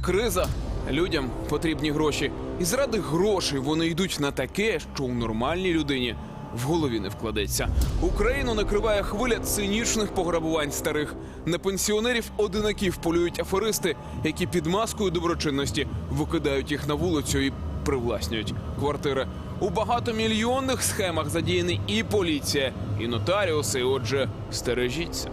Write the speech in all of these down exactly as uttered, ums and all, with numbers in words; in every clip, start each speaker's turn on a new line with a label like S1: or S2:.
S1: Криза. Людям потрібні гроші. І заради грошей вони йдуть на таке, що у нормальній людині в голові не вкладеться. Україну накриває хвиля цинічних пограбувань старих. На пенсіонерів-одинаків полюють аферисти, які під маскою доброчинності викидають їх на вулицю і привласнюють квартири. У багатомільйонних схемах задіяні і поліція, і нотаріуси. Отже, стережіться.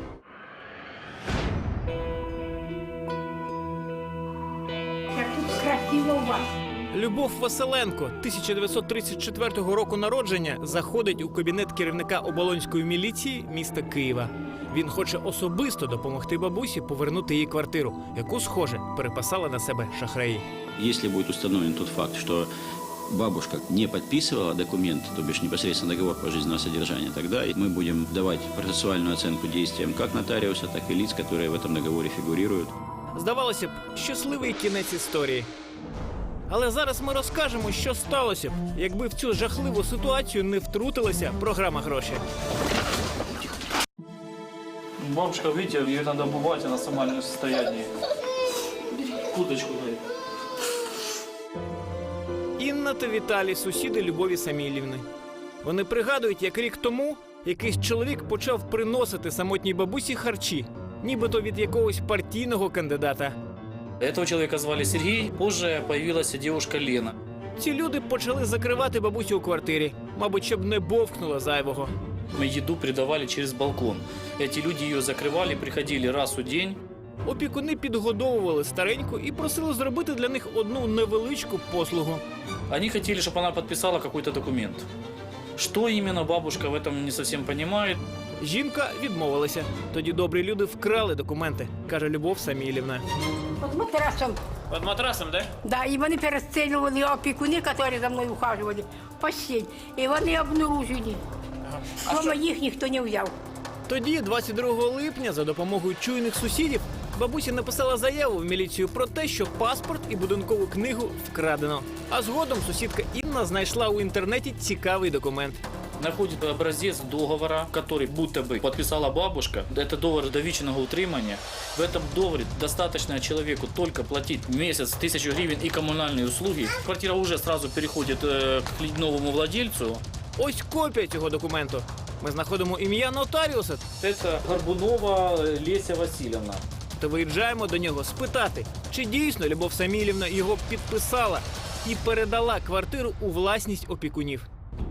S2: Любов Василенко, тисяча дев'ятсот тридцять четвертого року народження, заходить у кабінет керівника оболонської міліції міста Києва. Він хоче особисто допомогти бабусі повернути їй квартиру, яку, схоже, переписали на себе шахраї.
S3: Если будет установлен тот факт, что бабушка не подписывала документ, то бишь непосредственно договор пожизненного содержания, тогда мы будем давать процессуальную оценку действиям как нотариуса, так и лиц, которые в этом договоре фигурируют.
S2: Здавалося б, щасливий кінець історії. Але зараз ми розкажемо, що сталося б, якби в цю жахливу ситуацію не втрутилася програма «Гроші».
S4: Бабушка, видите, ее надо обувать, она сама не в состоянии. Курточку дай.
S2: Інна та Віталій – сусіди Любові Самілівни. Вони пригадують, як рік тому якийсь чоловік почав приносити самотній бабусі харчі, нібито від якогось партійного кандидата.
S4: Этого человека звали Сергей, позже появилась девушка Лена.
S2: Ці люди почали закривати бабусю у квартирі, мабуть, щоб не бовкнула зайвого.
S4: Мы еду придавали через балкон. Эти люди ее закрывали, приходили раз у день.
S2: Опікуни підгодовували стареньку і просили зробити для них одну невеличку послугу.
S4: Они хотели, чтобы она подписала какой-то документ. Что именно, бабушка в этом не совсем понимает.
S2: Жінка відмовилася. Тоді добрі люди вкрали документи, каже Любов Самілівна.
S5: Под матрасом.
S2: Під матрасом, так?
S5: Да, і вони перестрілювали опікуни, які за мною ухажували, в постіль. І вони обнаружені. Дома їх ніхто не взяв.
S2: Тоді, двадцять другого липня, за допомогою чуйних сусідів, бабуся написала заяву в міліцію про те, що паспорт і будинкову книгу вкрадено. А згодом сусідка Інна знайшла у інтернеті цікавий документ.
S4: Находит образец договора, который будто бы подписала бабушка. Это договор довічного утримания. В этом договоре достаточно человеку только платить в месяц тысячу гривен и коммунальные услуги. Квартира уже сразу переходит э, к новому владельцу.
S2: Ось копія цього документу. Ми знаходимо ім'я нотаріуса
S4: Это Горбунова Леся Васильевна.
S2: та виїжджаємо до нього спитати, чи дійсно Любов Самілівна його підписала і передала квартиру у власність опікунів.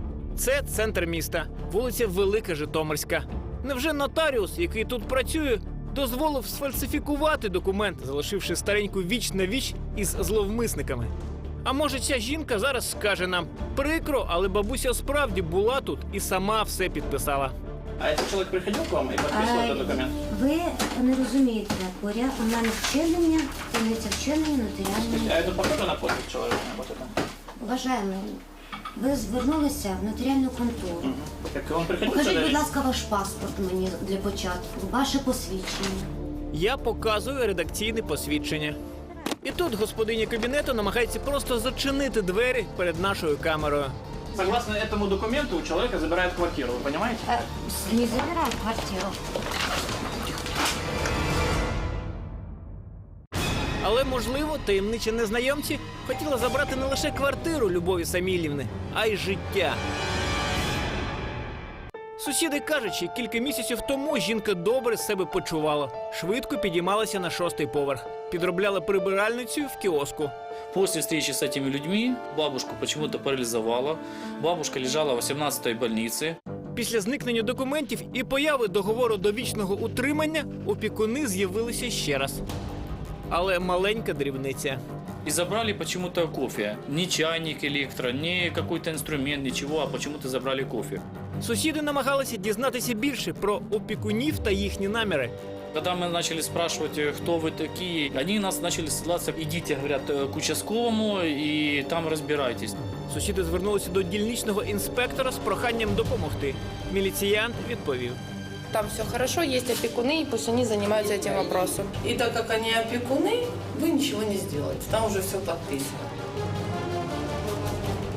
S2: Це центр міста, вулиця Велика Житомирська. Невже нотаріус, який тут працює, дозволив сфальсифікувати документ, залишивши стареньку віч на віч із зловмисниками? А може, ця жінка зараз скаже нам: прикро, але бабуся справді була тут і сама все підписала.
S4: А цей чоловік приходив к вам і підписував цей документ?
S6: Ви не розумієте, поряд у мене вчинення, таємниця вчинення нотаріальної.
S4: А це похоже на подпис чоловіка?
S6: Вважаємо, ви звернулися в нотаріальну контору.
S4: Так він приходив
S6: Покажіть,
S4: сюди?
S6: будь ласка, ваш паспорт мені для початку, ваше посвідчення.
S2: Я показую редакційне посвідчення. І тут господиня кабінету намагається просто зачинити двері перед нашою камерою.
S4: Согласно этому документу, у человека забирают квартиру, вы понимаете?
S6: Е, Не забирай квартиру.
S2: Але, можливо, таємничі незнайомці хотіли забрати не лише квартиру Любові Самілівни, а й життя. Сусіди кажуть, що кілька місяців тому жінка добре себе почувала. Швидко підіймалася на шостий поверх. Підробляла прибиральницею в кіоску.
S4: После встречи с этими людьми бабушку почему-то парализовала. Бабушка лежала в сімнадцятій больниці.
S2: Після зникнення документів і появи договору довічного утримання опікуни з'явилися ще раз. Але маленька дрібниця.
S4: И забрали почему-то кофе. Ни чайник электро, ни какой-то инструмент, ничего, а почему-то забрали кофе.
S2: Сусіди намагалися дізнатися більше про опікунів та їхні наміри.
S4: Когда мы начали спрашивать, кто вы такие, они нас начали ссылаться: идите, говорят, к участковому и там разбирайтесь.
S2: Сусіди звернулися до дільничного інспектора з проханням допомогти. Міліціянт відповів:
S7: Там все хорошо, есть опекуны, и пусть они занимаются этим вопросом.
S8: И так как они опекуны, вы ничего не сделаете. Там уже все подписано.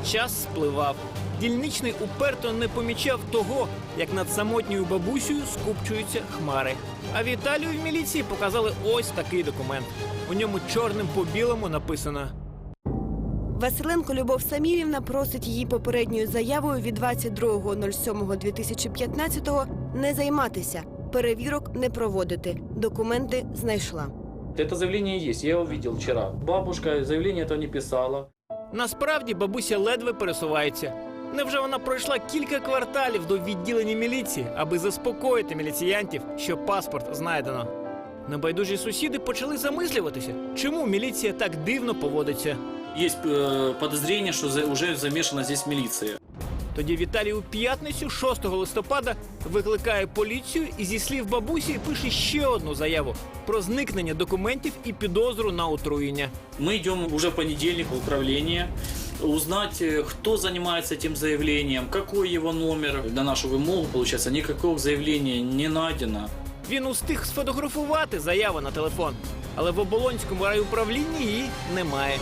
S2: Час спливав. Дільничний уперто не помічав того, як над самотньою бабусею скупчуються хмари. А Віталію в міліції показали ось такий документ. У ньому чорним по білому написано:
S8: Василенко Любов Самілівна просить її попередньою заявою від двадцять другого сьомого дві тисячі п'ятнадцятого не займатися, перевірок не проводити. Документи знайшла.
S4: Это заявление есть, я его видел вчера. Бабушка заявление этого не писала.
S2: насправді бабуся ледве пересувається. Невже вона пройшла кілька кварталів до відділення міліції, аби заспокоїти міліціянтів, що паспорт знайдено? Небайдужі сусіди почали замислюватися, чому міліція так дивно поводиться.
S4: Есть э, подозрение, что за, уже замешана здесь милиция.
S2: Тоді Віталій у п'ятницю, шостого листопада, викликає поліцію і зі слів бабусі пише ще одну заяву про зникнення документів і підозру на отруєння.
S4: Мы идем уже в понедельник в управление, узнать, э, кто занимается этим заявлением, какой его номер. На нашу вымогу, получается, никакого заявления не найдено.
S2: Він устиг сфотографувати заяву на телефон, але в Оболонському райуправлінні її немає.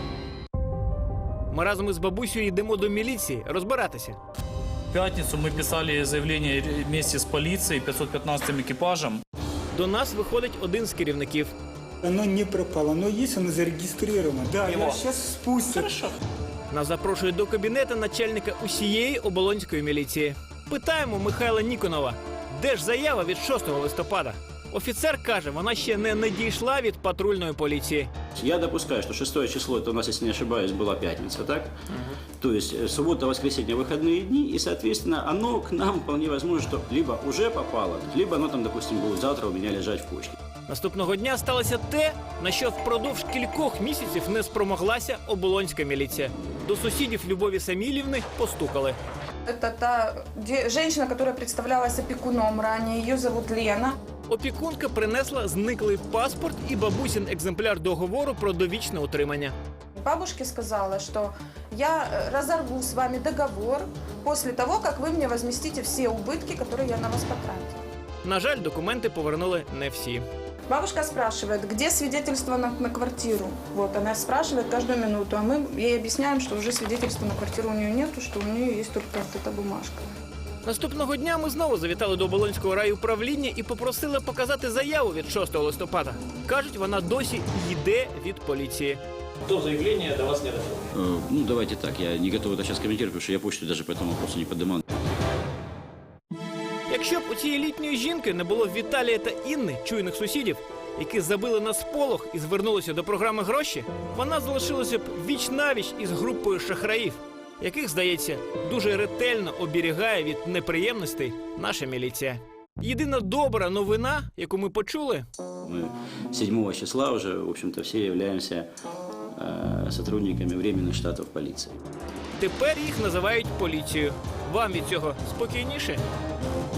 S2: Ми разом із бабусею йдемо до міліції розбиратися.
S4: В пятницу мы писали заявление вместе с полицией, пятьсот пятнадцатым экипажем.
S2: До нас виходить один з керівників.
S9: Оно не пропало, оно есть, оно зарегистрировано. Да,
S2: Его.
S9: я сейчас спустят.
S4: Хорошо.
S2: Нас запрошує до кабінету начальника усієї Оболонської міліції. Питаємо Михайла Ніконова, де ж заява від шостого листопада? Офіцер каже, вона ще не надійшла від патрульної поліції.
S3: Я допускаю, что шестое число, это у нас, если не ошибаюсь, была пятница, так? То есть э, суббота, воскресенье, выходные дни, и, соответственно, оно к нам вполне возможно, что либо уже попало, либо оно там, допустим, будет завтра у меня лежать в почте.
S2: Наступного дня сталося те, на що впродовж кількох місяців не спромоглася Оболонська міліція. До сусідів Любові Самілівни постукали.
S7: Это та де- женщина, которая представлялась опекуном ранее. Ее зовут Лена.
S2: Опікунка принесла зниклий паспорт і бабусин екземпляр договору про довічне утримання.
S7: Бабушке сказала, что я э, разорву с вами договор после того, как вы мне возместите все убытки, которые я на вас потратила.
S2: На жаль, документи повернули не всі.
S7: Бабушка спрашивает, где свидетельство на, на квартиру. Вот, она спрашивает каждую минуту, а мы ей объясняем, что уже свидетельства на квартиру у нее нету, что у нее есть только вот эта бумажка.
S2: Наступного дня ми знову завітали до Оболонського райуправління і попросили показати заяву від шостого листопада. Кажуть, вона досі йде від поліції.
S4: То заявление до вас не дошло.
S3: Э, ну, давайте так, я не готов это сейчас комментировать, потому что я почту даже по этому вопросу не поднимал.
S2: Якщо б у цієї літньої жінки не було Віталія та Інни, чуйних сусідів, які забили на сполох і звернулися до програми «Гроші», вона залишилася б віч-навіч із групою шахраїв, яких, здається, дуже ретельно оберігає від неприємностей наша міліція. Єдина добра новина, яку ми почули,
S3: Мы седьмого числа уже, в общем-то, все являемся э, сотрудниками временных штатов полиции.
S2: тепер їх називають поліцією. Вам від цього спокійніше?